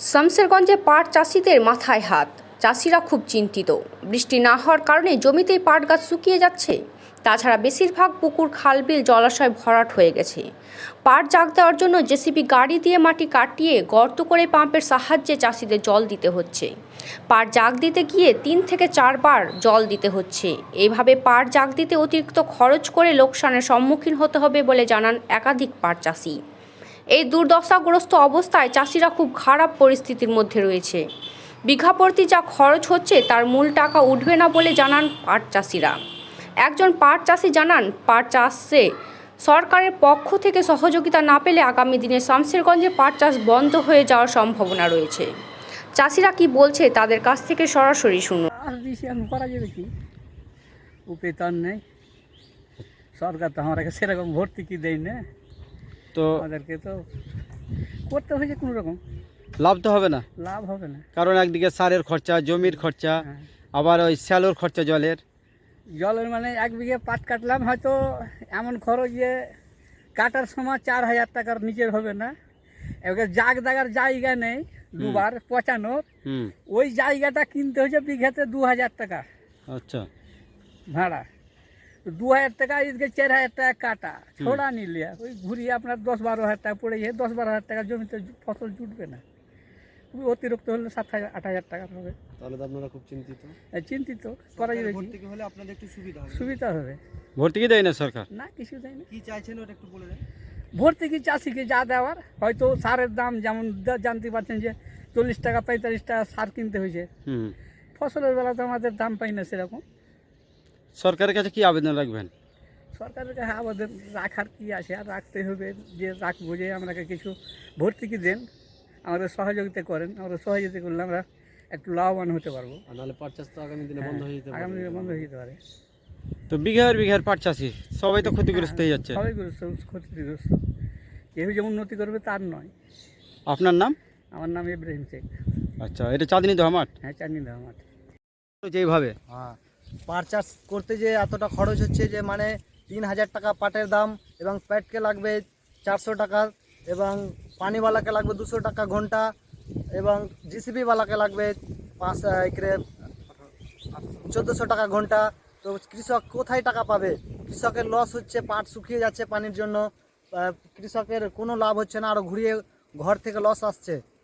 শামসেরগঞ্জে পাট চাষিদের মাথায় হাত। চাষিরা খুব চিন্তিত। বৃষ্টি না হওয়ার কারণে জমিতেই পাট গাছ শুকিয়ে যাচ্ছে। তাছাড়া বেশিরভাগ পুকুর, খালবিল জলাশয় ভরাট হয়ে গেছে। পাট জাগ দেওয়ার জন্য জেসিবি গাড়ি দিয়ে মাটি কাটিয়ে গর্ত করে পাম্পের সাহায্যে চাষিদের জল দিতে হচ্ছে। পাট জাগ দিতে গিয়ে 3 থেকে 4 বার জল দিতে হচ্ছে। এইভাবে পাট জাগ দিতে অতিরিক্ত খরচ করে লোকসানের সম্মুখীন হতে হবে বলে জানান একাধিক পাট চাষি। এই দুর্দশাগ্রস্ত অবস্থায় চাষিরা খুব খারাপ পরিস্থিতির মধ্যে রয়েছে। বিঘা প্রতি যা খরচ হচ্ছে তার মূল টাকা উঠবে না বলে জানান পাট চাষিরা। একজন পাট চাষি জানান, পাট চাষে সরকারের পক্ষ থেকে সহযোগিতা না পেলে আগামী দিনে শামসেরগঞ্জে পাট চাষ বন্ধ হয়ে যাওয়ার সম্ভাবনা রয়েছে। চাষিরা কি বলছে তাদের কাছ থেকে সরাসরি শুনুন। করা যাবে কি, উপায় তো আর নেই। সরকার তো আমাকে সেরকম ভর্তি কি দেয় না, তো আমাদেরকে তো করতে হয়েছে। কোনো রকম লাভ তো হবে না, লাভ হবে না, কারণ একদিকে সারের খরচা, জমির খরচা, আবার ওই স্যালোর খরচা, জলের মানে 1 বিঘে পাট কাটলাম, হয়তো এমন খরচ যে কাটার সময় 4,000 টাকার নিচের হবে না। এবার জাগ দাগার জায়গা নেই, দুবার পচানোর, ওই জায়গাটা কিনতে হয়েছে বিঘাতে 2,000 টাকা। আচ্ছা, ভাড়া 2,000 টাকা, এদিকে 4,000 টাকা কাটা ছোড়া নিলে ওই ঘুরিয়ে আপনার 10-12 হাজার টাকা পড়ে যায়। 10-12 হাজার টাকা জমিতে ফসল জুটবে না, খুবই অতিরিক্ত হলে 7,000-8,000 টাকা হবে। তাহলে তো আপনারা খুব চিন্তিত। চিন্তিত করা যাবে, ভর্তুকি হলে আপনাদের একটু সুবিধা হবে। ভর্তুকি দেয় না সরকার? না, কিছু দেয় না। কি চাইছেন ওটা একটু বলে দেন। ভর্তুকি চাষিকে যা দেওয়ার, হয়তো সারের দাম যেমন জানতে পারছেন যে 40 টাকা 45 টাকা সার কিনতে হয়েছে, ফসলের বেলা তো আমাদের দাম পাই না সেরকম। সরকারের কাছে কি আবেদন রাখবেন? সরকারের কাছে আবেদন রাখার কি আছে, আর রাখতে হবে যে রাখবো যে আমাকে কিছু ভর্তুকি দেন, আমাদের সহযোগিতা করেন। আমরা সহযোগিতা করলে আমরা একটু লাভবান হতে পারবো। নাহলে পাট চাষ তো আগামী দিনে বন্ধ হয়ে যেতে পারে। আগামী দিনে বন্ধ হয়ে যেতে পারে। তো বিঘার পাট চাষি সবাই তো ক্ষতিগ্রস্ত হয়ে যাচ্ছে। সবাই ক্ষতিগ্রস্ত, কেউ যে উন্নতি করবে তার নয়। আপনার নাম? আমার নাম ইব্রাহিম শেখ। আচ্ছা, এটা চাঁদনি দেওয়া মাঠ? হ্যাঁ, চাঁদনি দেওয়া মাঠ। এইভাবে পাট চাষ করতে যে এতটা খরচ হচ্ছে, যে মানে 3,000 টাকা পাটের দাম, এবং প্যাটকে লাগবে 400 টাকা, এবং পানিওয়ালাকে লাগবে 200 টাকা ঘন্টা, এবং জিসিবিওয়ালাকে লাগবে 1400 টাকা ঘন্টা। তো কৃষক কোথায় টাকা পাবে? কৃষকের লস হচ্ছে, পাট শুকিয়ে যাচ্ছে পানির জন্য, কৃষকের কোনো লাভ হচ্ছে না, আরও ঘুরিয়ে ঘর থেকে লস আসছে।